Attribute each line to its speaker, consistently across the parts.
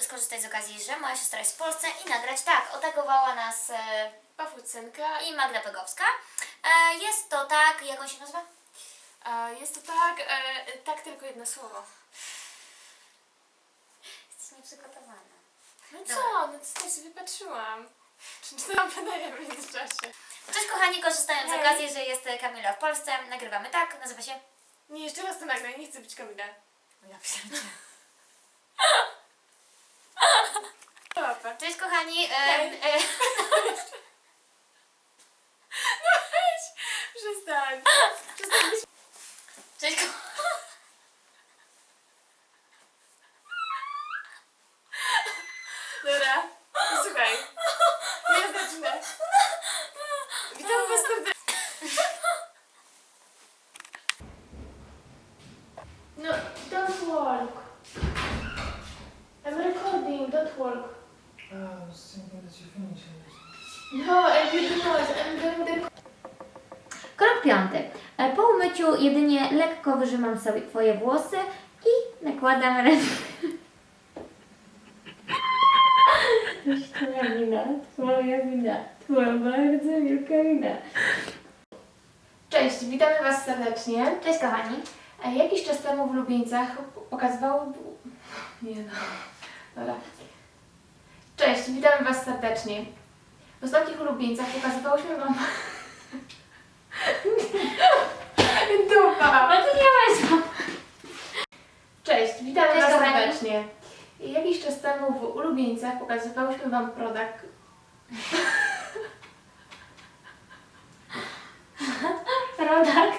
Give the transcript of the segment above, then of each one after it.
Speaker 1: skorzystać z okazji, że moja siostra jest w Polsce i nagrać tak. Otagowała nas
Speaker 2: Pawłucynka.
Speaker 1: i Magda Pegowska. Jest to tak, jak on się nazywa?
Speaker 2: Jest to tak, tak tylko jedno słowo.
Speaker 1: Jesteś nieprzygotowana.
Speaker 2: No
Speaker 1: Dobra.
Speaker 2: co, no co sobie patrzyłam. Czy to nam wydaje w międzyczasie?
Speaker 1: Cześć kochani, korzystając z
Speaker 2: Hej.
Speaker 1: okazji, że jest Kamila w Polsce, nagrywamy tak, nazywa się...
Speaker 2: Nie, jeszcze raz to nagraj, nie chcę być Kamila.
Speaker 1: Ja pierdzie.
Speaker 2: Dobra.
Speaker 1: Cześć kochani,
Speaker 2: Hej. No weź, przestań. Przestań być...
Speaker 1: Cześć kochani.
Speaker 2: Dobra, słuchaj. Ja zacznę. Witam was serdecznie. No, don't walk. I'm recording, don't walk.
Speaker 3: I was thinking that you finished it.
Speaker 2: No, I didn't know it. I'm doing the...
Speaker 1: Krok 5. Po umyciu jedynie lekko wyrzymam sobie twoje włosy i nakładam ręce. Twoja wina, twoja bardzo wielka wina.
Speaker 2: Cześć, witamy was serdecznie.
Speaker 1: Cześć kochani.
Speaker 2: Jakiś czas temu w Lubieńcach pokazywało... Nie no. Dobra. Cześć, witamy was serdecznie. W ostatnich Lubieńcach pokazywałyśmy wam... Dupa!
Speaker 1: No to nie ma.
Speaker 2: Cześć, witamy
Speaker 1: Cześć,
Speaker 2: was
Speaker 1: kochani.
Speaker 2: serdecznie. Jakiś czas temu w Ulubieńcach pokazywałyśmy wam produkt...
Speaker 1: Product.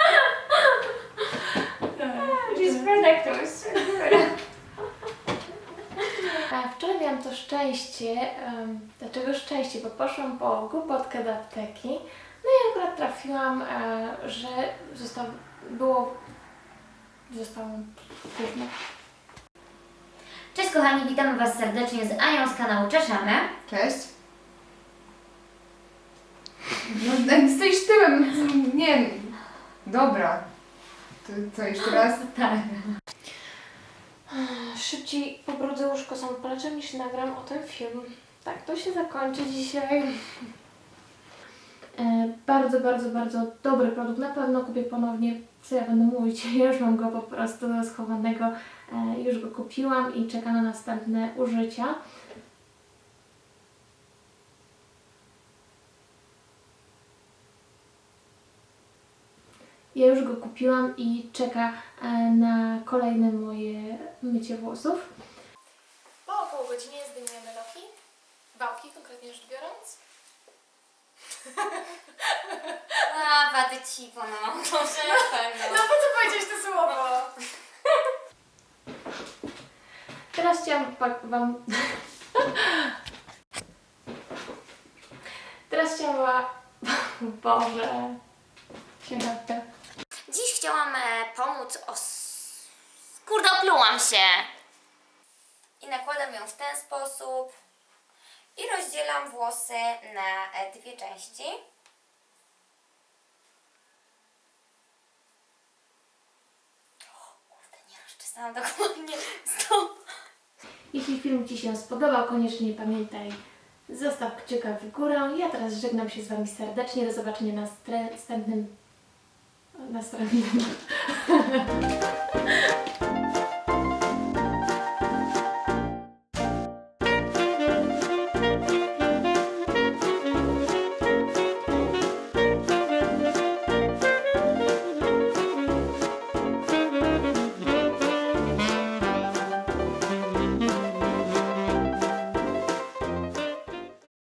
Speaker 1: Just productus.
Speaker 2: Wczoraj miałam to szczęście, dlaczego szczęście, bo poszłam po głupotkę do apteki, no i akurat trafiłam, że zostało gówno.
Speaker 1: Cześć kochani, witamy was serdecznie z Anią z kanału Czeszamy.
Speaker 4: Cześć. No, tak stoisz tyłem, nie. Dobra. To co, jeszcze raz?
Speaker 1: Tak.
Speaker 2: Szybciej pobrudzę łóżko samopalaczem niż nagram o tym film. Tak, to się zakończy dzisiaj. Bardzo, bardzo, bardzo dobry produkt. Na pewno kupię ponownie. Co ja będę mówić? Ja już mam go po prostu schowanego. Już go kupiłam i czeka na następne użycia. Ja już go kupiłam i czeka na kolejne moje mycie włosów. Po około godzinie zdejmujemy loki. Wałki konkretnie rzecz biorąc.
Speaker 1: A, wady cipo, no. To
Speaker 2: No po co powiedziałeś to słowo? Teraz chciałam wam... Teraz chciałam... Boże... Siemka.
Speaker 1: Dziś chciałam pomóc Kurde, oplułam się! I nakładam ją w ten sposób i rozdzielam włosy na dwie części. Kurde, nie rozczesałam dokładnie. Stop!
Speaker 2: Jeśli film ci się spodobał, koniecznie pamiętaj, zostaw kciuka w górę. Ja teraz żegnam się z wami serdecznie. Do zobaczenia na następnym...